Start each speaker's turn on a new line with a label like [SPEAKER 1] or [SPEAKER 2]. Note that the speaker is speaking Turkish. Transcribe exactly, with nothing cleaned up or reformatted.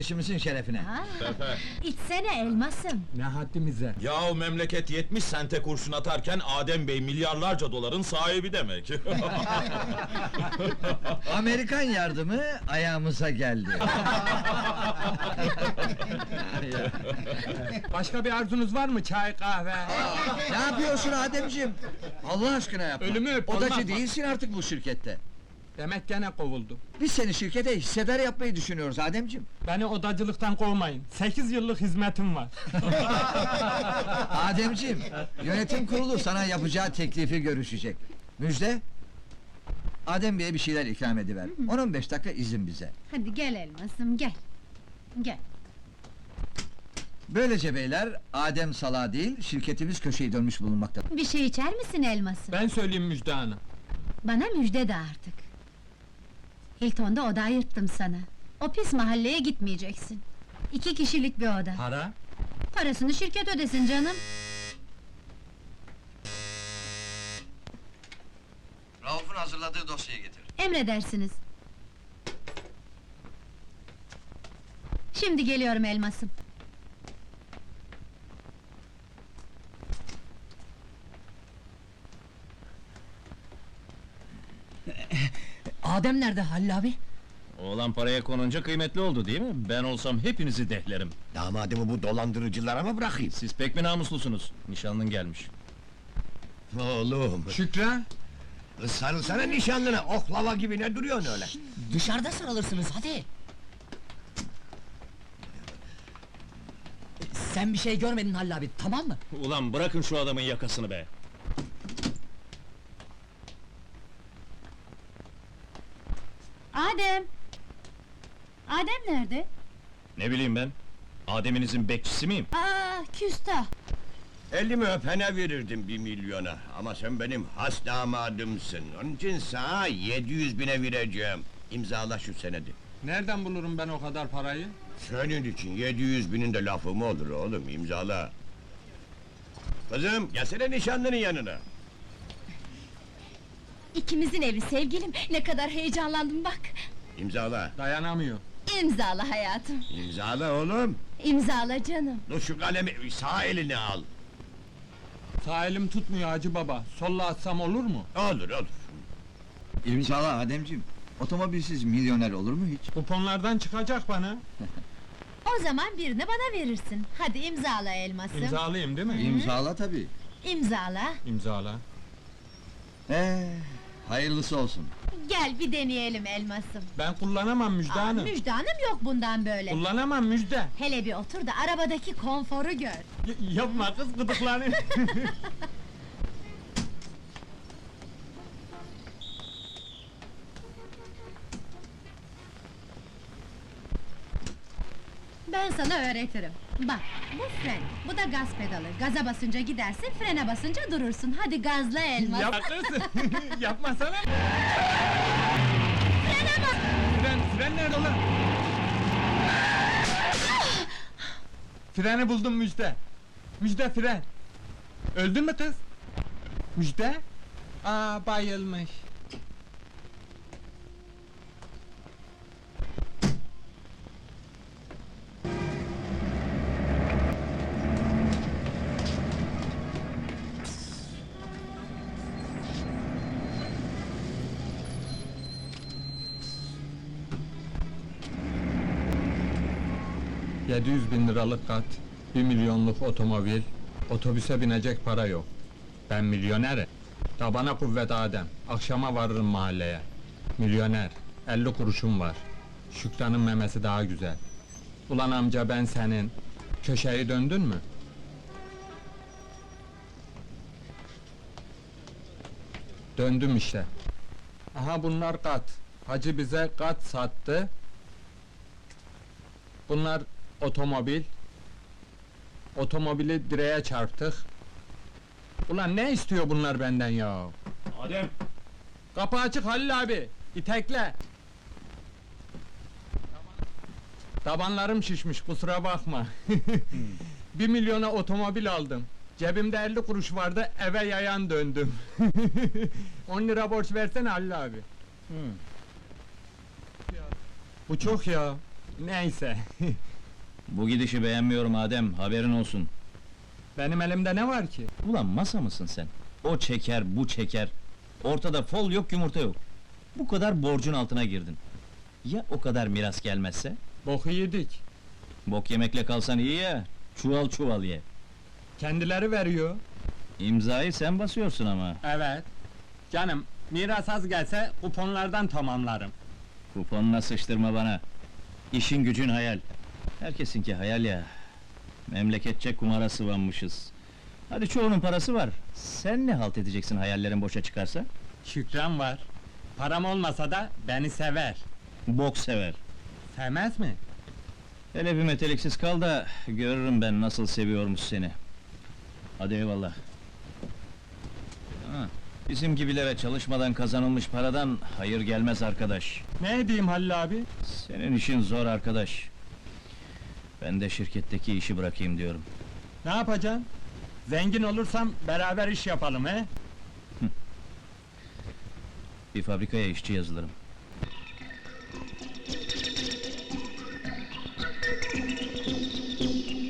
[SPEAKER 1] İşimizin şerefine.
[SPEAKER 2] Ha,
[SPEAKER 3] Sefer.
[SPEAKER 2] içsene elmasım.
[SPEAKER 4] Ne haddimize?
[SPEAKER 3] Yahu memleket yetmiş sente kurşun atarken Adem Bey milyarlarca doların sahibi demek.
[SPEAKER 1] Amerikan yardımı ayağımıza geldi.
[SPEAKER 4] Başka bir arzunuz var mı? Çay, kahve?
[SPEAKER 1] Ne yapıyorsun Ademciğim? Allah aşkına yapma.
[SPEAKER 4] Ölümü öp, olmaz
[SPEAKER 1] Odacı
[SPEAKER 4] mı?
[SPEAKER 1] değilsin artık bu şirkette.
[SPEAKER 4] Demek gene kovuldu.
[SPEAKER 1] Biz seni şirkete hissedar yapmayı düşünüyoruz Ademciğim.
[SPEAKER 4] Beni odacılıktan kovmayın. Sekiz yıllık hizmetim var.
[SPEAKER 1] Ademciğim, yönetim kurulu sana yapacağı teklifi görüşecek. Müjde, Adem Bey'e bir şeyler ikram ediver. on on beş dakika izin bize.
[SPEAKER 2] Hadi gel elmasım, gel. Gel.
[SPEAKER 1] Böylece beyler, Adem salağı değil, şirketimiz köşeyi dönmüş bulunmakta.
[SPEAKER 2] Bir şey içer misin elmasım?
[SPEAKER 4] Ben söyleyeyim Müjde Hanım.
[SPEAKER 2] Bana müjde de artık. Hilton'da oda ayırttım sana. O pis mahalleye gitmeyeceksin. İki kişilik bir oda.
[SPEAKER 4] Para?
[SPEAKER 2] Parasını şirket ödesin canım.
[SPEAKER 1] Rauf'un hazırladığı dosyayı getir.
[SPEAKER 2] Emredersiniz. Şimdi geliyorum elmasım.
[SPEAKER 5] Adem nerede Halil abi?
[SPEAKER 3] Oğlan paraya konunca kıymetli oldu değil mi? Ben olsam hepinizi dehlerim.
[SPEAKER 6] Damadımı bu dolandırıcılara mı bırakayım?
[SPEAKER 3] Siz pek mi namuslusunuz? Nişanlın gelmiş.
[SPEAKER 6] Oğlum,
[SPEAKER 4] Şükran?
[SPEAKER 6] sarılsana nişanlına, oklava gibi ne duruyorsun öyle?
[SPEAKER 5] Dışarıda sarılırsınız hadi. Sen bir şey görmedin Halil abi, tamam mı?
[SPEAKER 3] Ulan bırakın şu adamın yakasını be!
[SPEAKER 2] Adem! Adem nerede?
[SPEAKER 3] Ne bileyim ben? Adem'inizin bekçisi miyim?
[SPEAKER 2] Aa, küstah!
[SPEAKER 6] Elimi öpene verirdim bir milyona, ama sen benim has damadımsın. Onun için sana yedi yüz bine vereceğim. İmzala şu senedi.
[SPEAKER 4] Nereden bulurum ben o kadar parayı?
[SPEAKER 6] Senin için yedi yüz binin de lafı mı olur oğlum, imzala! Kızım, gelsene nişanlının yanına!
[SPEAKER 2] İkimizin evi sevgilim, ne kadar heyecanlandım bak!
[SPEAKER 6] İmzala!
[SPEAKER 4] Dayanamıyor.
[SPEAKER 2] İmzala hayatım,
[SPEAKER 6] İmzala oğlum!
[SPEAKER 2] imzala canım!
[SPEAKER 6] Dur şu kalemi sağ eline al!
[SPEAKER 4] Sağ elim tutmuyor Hacı Baba. Solla atsam olur mu?
[SPEAKER 6] Olur olur!
[SPEAKER 1] İmzala Ademciğim. Otomobilsiz milyoner olur mu hiç?
[SPEAKER 4] Kuponlardan çıkacak bana.
[SPEAKER 2] O zaman birini bana verirsin. Hadi imzala elmasım.
[SPEAKER 4] İmzalayayım değil mi?
[SPEAKER 1] İmzala tabii.
[SPEAKER 2] İmzala.
[SPEAKER 4] İmzala.
[SPEAKER 1] Ee, hayırlısı olsun.
[SPEAKER 2] Gel bir deneyelim elmasım.
[SPEAKER 4] Ben kullanamam Müjde
[SPEAKER 2] Aa,
[SPEAKER 4] Hanım.
[SPEAKER 2] Müjde Hanım yok bundan böyle.
[SPEAKER 4] Kullanamam Müjde.
[SPEAKER 2] Hele bir otur da arabadaki konforu gör.
[SPEAKER 4] Y- yapma kız gıdıklanayım.
[SPEAKER 2] Ben sana öğretirim. Bak, bu fren, bu da gaz pedalı. Gaza basınca gidersin, frene basınca durursun. Hadi gazla elmas.
[SPEAKER 4] Yapma kız. Yapmasana.
[SPEAKER 2] Frene bas!
[SPEAKER 4] Fren, fren nerede ulan? Freni buldum Müjde. Müjde fren. Öldün mü kız? Müjde? Aa bayılmış. Yedi yüz bin liralık kat, bir milyonluk otomobil, otobüse binecek para yok. Ben milyonerim. Tabana kuvvet Adem, akşama varırım mahalleye. Milyoner, elli kuruşum var. Şükran'ın memesi daha güzel. Ulan amca ben senin, köşeyi döndün mü? Döndüm işte. Aha bunlar kat. Hacı bize kat sattı. Bunlar otomobil. Otomobili direğe çarptık. Ulan ne istiyor bunlar benden ya?
[SPEAKER 3] Adem!
[SPEAKER 4] Kapı açık Halil abi. İtekle. Tabanlarım şişmiş kusura bakma. Bir milyona otomobil aldım. Cebimde elli kuruş vardı eve yayan döndüm. On lira borç versene Halil abi. Bu çok ya. Neyse.
[SPEAKER 7] Bu gidişi beğenmiyorum Adem, haberin olsun.
[SPEAKER 4] Benim elimde ne var ki?
[SPEAKER 7] Ulan masa mısın sen? O çeker, bu çeker. Ortada fol yok, yumurta yok. Bu kadar borcun altına girdin. Ya o kadar miras gelmezse?
[SPEAKER 4] Boku yedik.
[SPEAKER 7] Bok yemekle kalsan iyi ya, çuval çuval ye.
[SPEAKER 4] Kendileri veriyor.
[SPEAKER 7] İmzayı sen basıyorsun ama.
[SPEAKER 4] Evet. Canım, miras az gelse kuponlardan tamamlarım.
[SPEAKER 7] Kuponuna sıçtırma bana. İşin gücün hayal. Herkesinki hayal ya. Memleketçe kumara sıvanmışız. Hadi çoğunun parası var. Sen ne halt edeceksin hayallerin boşa çıkarsa?
[SPEAKER 4] Şükran var. Param olmasa da beni sever.
[SPEAKER 7] Bok sever.
[SPEAKER 4] Sevmez mi?
[SPEAKER 7] Hele bir meteliksiz kal da görürüm ben nasıl seviyormuş seni. Hadi eyvallah. Ha, bizim gibilere çalışmadan kazanılmış paradan hayır gelmez arkadaş.
[SPEAKER 4] Ne edeyim Halil abi?
[SPEAKER 7] Senin işin zor arkadaş. Ben de şirketteki işi bırakayım diyorum.
[SPEAKER 4] Ne yapacaksın? Zengin olursam beraber iş yapalım he?
[SPEAKER 7] Bir fabrikaya işçi yazılırım.